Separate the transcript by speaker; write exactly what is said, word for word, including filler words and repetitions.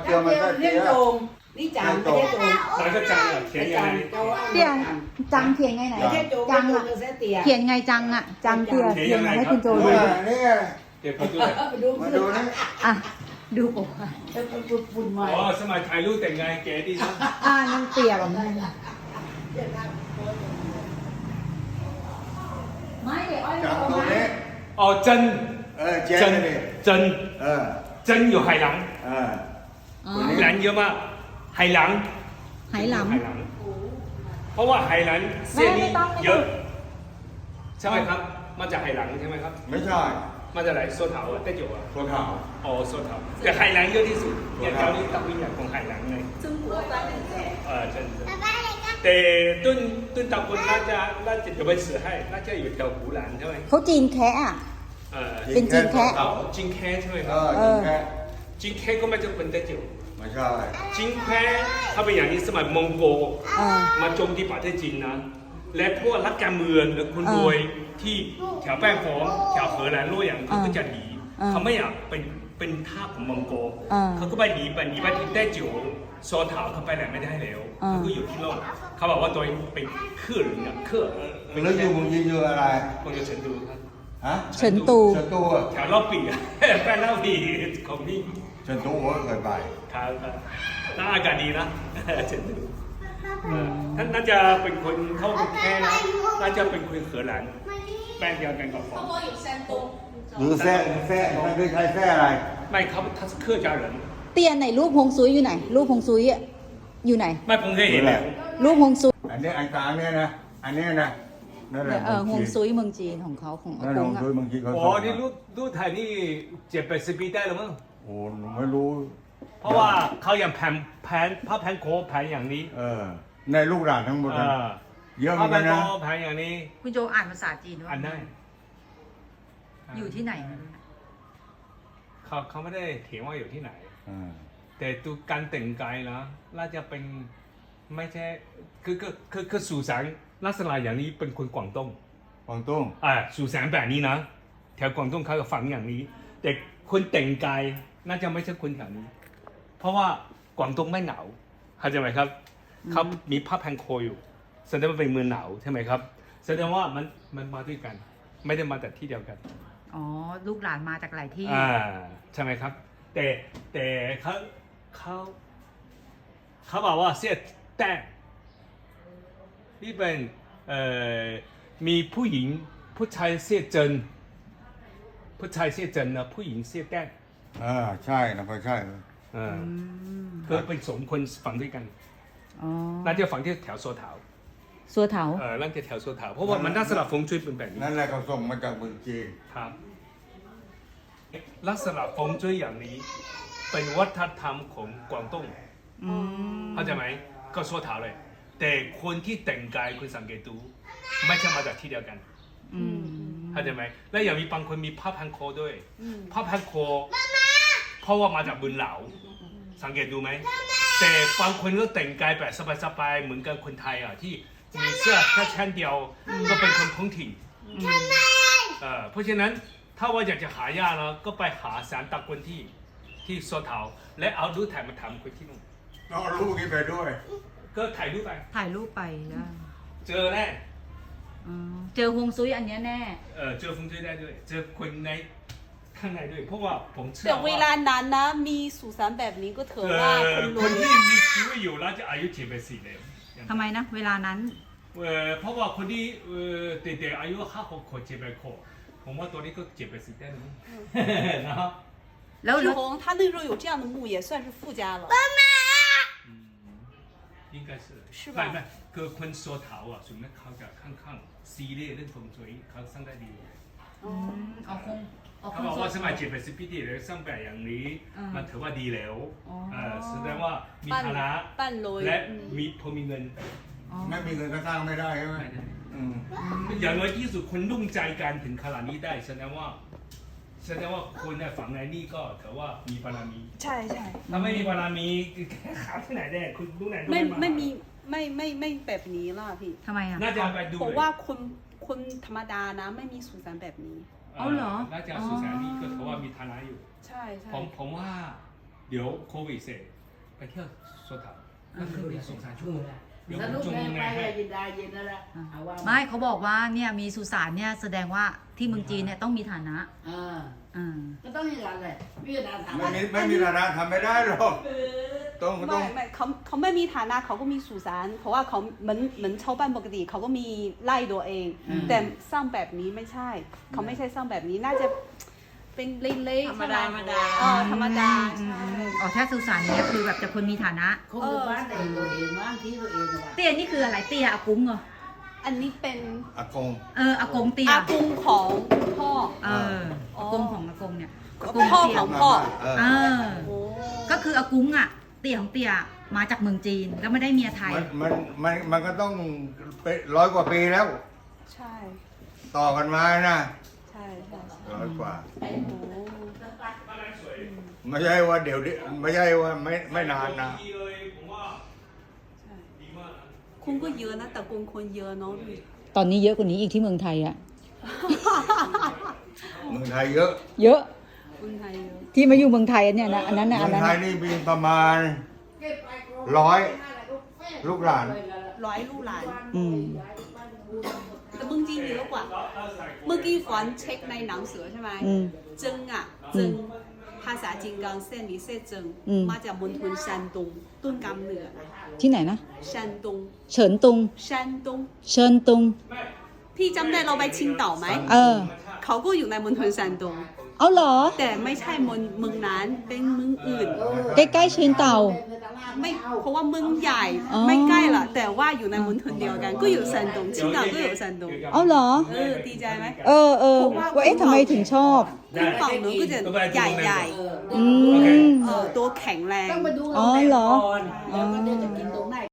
Speaker 1: เตียวมันก็เตียว
Speaker 2: นี่จังไม่ใช่โจง
Speaker 3: 哪个章啊？填ยังไง
Speaker 4: เตียจังเขียนไงไหน
Speaker 2: ไม่ใช่โจง
Speaker 4: จัง
Speaker 2: โจ
Speaker 4: อะ
Speaker 2: งเส้นเตีย
Speaker 4: เขียนไงจังอะจังเตียเขียนมาให้คุณโจดู
Speaker 1: นี่
Speaker 3: เดี๋ยวผมดูเลย
Speaker 2: ไปดู
Speaker 1: มาดูนี่
Speaker 4: อ่ะดูผม
Speaker 2: จะไปปุ่นปุ่นใหม่
Speaker 3: อ๋อสมัยถ่ายรูปแต่งงานเก๋ดีนะ
Speaker 4: อ่านั่นเตียแบบนั้นไม่เดี๋ยวอ้อย
Speaker 1: จับตัวนี้
Speaker 3: อ๋อ真
Speaker 1: เออเจ๊
Speaker 3: 真
Speaker 1: นี่
Speaker 3: 真
Speaker 1: เออ
Speaker 3: 真有海狼
Speaker 1: เออ
Speaker 4: อ๋อ
Speaker 3: 海狼เยอะมาก海狼
Speaker 4: ไหหลำ
Speaker 3: 海狼เพราะว่า海狼เส้นนี้เยอะใช่ไหมครับมาจาก海狼ใช่ไหมครับ
Speaker 1: ไม่ใช่
Speaker 3: มาจากไหนโซเถาอ่ะเต้นอยู่อ่ะ
Speaker 1: ตัวขาว
Speaker 3: อ๋อโซเถาแต่海狼เยอะที่สุดอย่างแถวนี้ตักวิญญาณของ海狼ไง
Speaker 2: 中国版的
Speaker 3: เออใช่แต่ต้นต้นตะกุนน่าจะน่าจะ有本事ให้น่าจะอยู่แถวหูหลานใช่ไหม
Speaker 4: เขาจีนแคะอะ
Speaker 3: เออ
Speaker 4: เป็นจีนแคะ
Speaker 3: อ๋อจิงแค่ใช่ไหมค
Speaker 1: เอ
Speaker 3: รับ
Speaker 1: อจริงแค่
Speaker 3: จิงแค่ก็มาจากคนเต้นอยู่
Speaker 1: ไม่ใช่
Speaker 3: จิงแค่ถ้าเป็นอย่างนี้สมัยมองโก
Speaker 4: อ่า
Speaker 3: มาโจมตีประเทศจีนนะ และพวกรักการเมืองหรือคนรวยที่แถวแป้งฟองแถวเหอแลนด์รั่วอย่างเขาก็จะหนี
Speaker 4: อ่า
Speaker 3: เขาไม่อยากเป็นเป็นทาสของมองโก
Speaker 4: อ่า
Speaker 3: เขาก็ไปหนีไปหนีไปที่แต้จิ๋วโซเถาเขาไปไหนไม่ได้แล้ว
Speaker 4: อ่า
Speaker 3: เขาก็อยู่ที่โลกเขาบอกว่าตัวเองเป็นเครือหรือเนี่ยเครือ
Speaker 1: แล้วอยู่มึงยืนอยู่อะไร
Speaker 3: คนอยู่เฉินตูครับ
Speaker 1: ฮะ
Speaker 4: เฉินตู
Speaker 1: เฉินตูอะ
Speaker 3: แถวรอบปีอะ แป้งรอบปีของพี่
Speaker 1: เฉินตูผมก็เคยไป
Speaker 3: ครับครับน่าอากาศดีนะ เฉินตูเออท่านน่าจะเป็นคนเข้ากรุงเทพนะน่าจะเป็นคนเขอหลานแป้งเดียวกันกับฟอง
Speaker 1: หรือแซ่แซ่มันคือใช้แซ่อะไร
Speaker 3: ไม่เขา他是客家人
Speaker 4: เตียไหนรูปฮงซุยอยู่ไหน รูปฮงซุยอะอยู่ไหน
Speaker 3: ไม่ผมเคยเห็น
Speaker 1: นี่แห
Speaker 3: แห
Speaker 1: ละ
Speaker 3: ละ
Speaker 4: รูปฮงซุย
Speaker 1: อันนี้อันกลางเนี่ยนะ อันนี้นะนั่นแหละ
Speaker 4: เออฮงซุยเมืองจีนของเขาของอา
Speaker 1: นั่น
Speaker 4: ก
Speaker 1: ล
Speaker 4: ง
Speaker 1: ง
Speaker 4: อะ
Speaker 1: ด้วยบางทีเขา
Speaker 3: โอ้
Speaker 1: ส่ง
Speaker 3: นี่
Speaker 1: มา
Speaker 3: รูปรูปถ่ายนี่เจ็ดแปดสิบปีได้แล้วมั้ง
Speaker 1: โอ้หนูไม่รู้
Speaker 3: เพราะว่าเขาอย่างแผ่นแผ่นผ้าแผ่นโค้แผ่นอย่างนี้
Speaker 1: เออ ในลูกหลานทั้งหมด
Speaker 3: เอ
Speaker 1: นะ
Speaker 3: อ
Speaker 1: เยอะเหมื
Speaker 3: ผ้า
Speaker 1: อนกั
Speaker 3: แผ่
Speaker 1: น
Speaker 3: น
Speaker 1: นะ
Speaker 3: โค้แผ่นอย่างนี้
Speaker 4: คุณโจอ่านภาษาจีนว่า
Speaker 3: อันได้
Speaker 4: อยู่ที่ไหน
Speaker 3: เขาเขาไม่ได้เถียงว่าอยู่ที่ไหน
Speaker 1: อ่า
Speaker 3: แต่ดูการแต่งกายนะน่าจะเป็นไม่ใช่คือคือคือคือสุสานลักษณะอย่างนี้เป็นคนกวางตุ้ง
Speaker 1: กวางตุ้ง
Speaker 3: อ่าสุสานแบบนี้นะแถวกวางตุ้งเขาก็ฝังอย่างนี้ แต่คนแต่งกายน่าจะไม่ใช่คนแถวนี้ เพราะว่ากวางตุ้งไม่หนาวเข้าใจไหมครับเขามีผ้าพันคออยู่แสดงว่าเป็นเมืองหนาวใช่ไหมครับแสดงว่ามันมันมาด้วยกัน ไม่ได้มาแต่ที่เดียวกัน
Speaker 4: อ๋อ ลูกหลานมาจากหลายที่
Speaker 3: อ่าใช่ไหมครับ แต่แต่เขาเขาเขาบอกว่าเสียแต่นี่เป็นเอ่อมีผู้หญิงผู้ชายเสียเจินผู้ชายเสียเจินนะผู้หญิงเสียแต่
Speaker 1: อ่าใช่นะพอใช่
Speaker 3: อ่าเพื่อเป็นสมคนฝังด้วยกัน
Speaker 4: อ๋อ
Speaker 3: น่าจะฝังที่แถวโซเถา
Speaker 4: สัวเถา
Speaker 3: เออน่าจะแถวโซเถาเพราะว่ามันน่าสลับฟงจุ้ยเป็นแบบนี้
Speaker 1: นั่นแหละเขาส่งมาจากเมืองจีน
Speaker 3: ครับลักษณะฟงจุ้ยอย่างนี้ เป็นวัฒนธรรมของกวางตุ้ง
Speaker 4: อืม
Speaker 3: เข้าใจไหมก็โซเถาเลย แต่คนที่แต่งกายคุณสังเกตดูไม่ใช่มาจากที่เดียวกัน
Speaker 4: อืม
Speaker 3: เข้าใจไหมและอย่างมีบางคนมีผ้าพันคอด้วยผ้าพันคอเพราะว่ามาจากบุญเหลาสังเกตดูไหมแต่บางคนก็แต่งกายแบบสบายๆเหมือนกับคนไทยอ่ะที่มีเสื้อแค่ชั้นเดียวก็เป็นคนท้องถิ่นเอ่อเพราะฉะนั้นถ้าว่าอยากจะหายาแล้วก็ไปหาสารตะกวนที่ที่โซเถาและเอารูปถ่ายมาทำคนที่นู่น
Speaker 1: เอาลูกนี้ไปด้วย
Speaker 3: ก็ถ่ายรูปไป
Speaker 4: ถ่ายรูปไปได้
Speaker 3: เจอแน่
Speaker 4: อ๋อเจอฮวงซุยอันเนี้ยแน่
Speaker 3: เออเจอฟงจุ้ยได้ด้วย เจอคนในข้างในด้วย เพราะว่าผมเชื่อ
Speaker 2: แต่เว
Speaker 3: ว่า
Speaker 2: ลานั้นนะมีสุสานแบบนี้ก็เถ
Speaker 3: เอ
Speaker 2: อะว่า
Speaker 3: อ
Speaker 2: คนร
Speaker 3: ค
Speaker 2: วน ย
Speaker 3: ที่มีชีวิตอยู่แล้วจะอายุเจ็ดไปสี่เลย
Speaker 4: ทำไมนะ เวลานั้น
Speaker 3: เออเพราะว่าคนที่เออเด็กๆอายุห้าหกขวบเจ็ดแปดขวบผมว่าตัวนี้ก็เจ็ดไปสี่ได้นะนะครับ
Speaker 4: แล้ว
Speaker 2: 志宏他那时候有这样的墓也算是富家了。
Speaker 3: อืม應該是
Speaker 2: 是吧
Speaker 3: ไม่ไม่คือคนโซเถาอ่ะส่วนมากเขาจะค่อนข้างซีเรียสเรื่องฟงจุ้ยเขาสร้างได้ดี
Speaker 4: อืมเอาคงเอา
Speaker 3: เขา
Speaker 4: คง
Speaker 3: บอกว่าสมัยเจ็ดแปดสิบปีที่แล้วสร้างแบบอย่างนี้
Speaker 4: อ่ามั
Speaker 3: มันถือว่าดีแล้ว
Speaker 4: อ๋อ
Speaker 3: เออแสดงว่ามีฐานะ
Speaker 2: 半楼
Speaker 3: และ
Speaker 2: 嗯
Speaker 3: มีพอมีเงิน
Speaker 4: อ๋อ
Speaker 1: ไม่มีเงินก็สร้างไม่ได้ใช่ไหม
Speaker 3: ไม่ได้
Speaker 1: อืม
Speaker 3: อย่างน้อยที่สุดคนรุ่งใจกันถึงขนาดนี้ได้แสดงว่าแสดงว่าคนในฝั่งในนี่ก็ถือว่ามีบารมี
Speaker 2: ใช่ใช่
Speaker 3: ถ้าไม่มีบารมีหาที่ไหนได้คุณรู้ไหนรู้
Speaker 2: ไม่
Speaker 3: มา
Speaker 2: ไม่มีไม่ไม่ไม่แบบนี้ล่ะพี่
Speaker 4: ทำไมอ่ะ
Speaker 3: น่าจะไปดู
Speaker 2: เพราะว่าคนคนธรรมดานะไม่มีสุสานแบบนี้
Speaker 4: เอาเหรอ
Speaker 3: น่าจะสุสานนี่ก็ถือว่ามีฐานะอยู่
Speaker 2: ใช่ใช่
Speaker 3: ผมผมว่าเดี๋ยวโควิดเสร็จไปเที่ยวสวนถามนั่นคือมีสุสานชั่วโมงเดี๋ยว
Speaker 5: ส
Speaker 3: ผม
Speaker 5: นุก
Speaker 3: จง
Speaker 5: แม่
Speaker 3: ยัง
Speaker 5: ไป
Speaker 3: ไงให้
Speaker 5: ยินดาเย็นนั่นแหละเอาว่า
Speaker 4: ไม่เขาบอกว่าเนี่ยมีสุสานเนี่ยแสดงว่าที่เมืองจีนเนี่ยต้องมีฐานะ
Speaker 5: อ่า
Speaker 4: อ่า
Speaker 5: ก็ต้องอย่างนั้นแหละพี่นาถาม
Speaker 1: ไม่มีไม่มีฐานะทำไม่ได้หรอกต้องต้
Speaker 2: ไม่
Speaker 1: อง
Speaker 2: ไม่เขาเขาไม่มีฐานะเขาก็มีสุสานเพราะว่าเขาเหมือนเหมือนชาวบ้านปกติเขาก็มีไร่ตัวเอง แต่สร้างแบบนี้ไม่ใช่ เขาไม่ใช่สร้างแบบนี้น่าจะเป็นเล็กๆ
Speaker 5: ธรรมดาธรรมดา
Speaker 2: เออธรรมดา
Speaker 4: อืม
Speaker 2: ใช่
Speaker 4: อืมอ๋อถ้าสุสานเนี่ยคือแบบจะคนมีฐานะ
Speaker 5: คงอยู่บ้านเองตัวเองบ้านที่ตัวเองนะ
Speaker 4: เตี้ยนี่คืออะไรเตี้ยอากุ้งเหรอ
Speaker 2: อันนี้เป็น
Speaker 1: อากง
Speaker 4: เอออากงเตี้ย
Speaker 2: อากุงของพ่อ
Speaker 4: เอออากงของอากงเนี่ยอากง
Speaker 2: พ่อ
Speaker 4: เตี้ย
Speaker 2: ของพ่อ
Speaker 1: เออ
Speaker 4: เออ
Speaker 2: โอ้
Speaker 4: ก็คืออากุ้งอ่ะ เตี้ยของเตี้ยมาจากเมืองจีนแล้วไม่ได้เมียไทย
Speaker 1: มันมันมันมันก็ต้องเป็นร้อยกว่าปีแล้ว
Speaker 2: ใช่
Speaker 1: ต่อกันมานะ
Speaker 2: ใช่ใช่ใช่
Speaker 1: ร้อยกว่า
Speaker 2: โอ้
Speaker 1: ไม่ใช่ว่าเดี๋ยวนี้ไม่ใช่ว่าไม่ไม่นานนะ
Speaker 3: ดีเลยผมว่า
Speaker 2: ใช่
Speaker 3: ดีมากนะ
Speaker 2: คุณก็เยอะนะแต่กุงคนเยอะเนาะพี่
Speaker 4: ตอนนี้เยอะกว่านี้อีกที่เมืองไทยอ่ะ
Speaker 1: เมืองไทยเยอะ
Speaker 4: เยอะ
Speaker 2: คนไทยเยอะ
Speaker 4: ที่มาอยู่เมืองไทยเนี่ยนะอันนั้นนะ
Speaker 1: เมื
Speaker 4: อั
Speaker 1: อน ง
Speaker 4: นั้น
Speaker 1: ไท
Speaker 4: น่ะ
Speaker 1: ยนี่มีประมาณร้อยลูกหลาน
Speaker 2: ร้อยลูกหลาน
Speaker 4: อืม
Speaker 2: แต่เมืองจีนเยอะกว่า เมื่อกี้ฝันเช็คในหนังสือใช่ไหม
Speaker 4: อืม
Speaker 2: เจิงอ่ะเจิงภาษาจีนกังเส้นนี้เส้นเจิง
Speaker 4: อืม
Speaker 2: มาจากมณฑล山东ต้นกำเนิดนะ
Speaker 4: ที่ไหนนะ
Speaker 2: 山东
Speaker 4: เฉินตุง
Speaker 2: 山东
Speaker 4: เชิญตุง
Speaker 2: พี่จำได้เราไป青岛ไหม
Speaker 4: เออ
Speaker 2: เขาก็อยู่ในมณฑล山东
Speaker 4: เอาเหรอ
Speaker 2: แต่ไม่ใช่เมืองเมืองนั้นเป็นเมืองอื่น
Speaker 4: ใกล้ๆเชียงเต่า
Speaker 2: ไม่เพราะว่าเมืองใหญ่
Speaker 4: อ๋อ
Speaker 2: ไม่ใกล้ละแต่ว่าอยู่ในมณฑลเดียวกัน ก็อยู่山东青岛ก็อยู่山东
Speaker 4: เอาเหรอ
Speaker 2: เออดีใจไหม
Speaker 4: เออเออว่าเอ๊ะทำไมถึงชอบ
Speaker 2: คุณฝั่งนู้นก็จะใหญ่ใหญ่
Speaker 4: อืม
Speaker 2: เออตัวแข็งแรง
Speaker 5: ต้องไปดู
Speaker 4: อ๋อเหรอ
Speaker 5: ก่อนแล้วก็เดี๋ยวจะกินตรง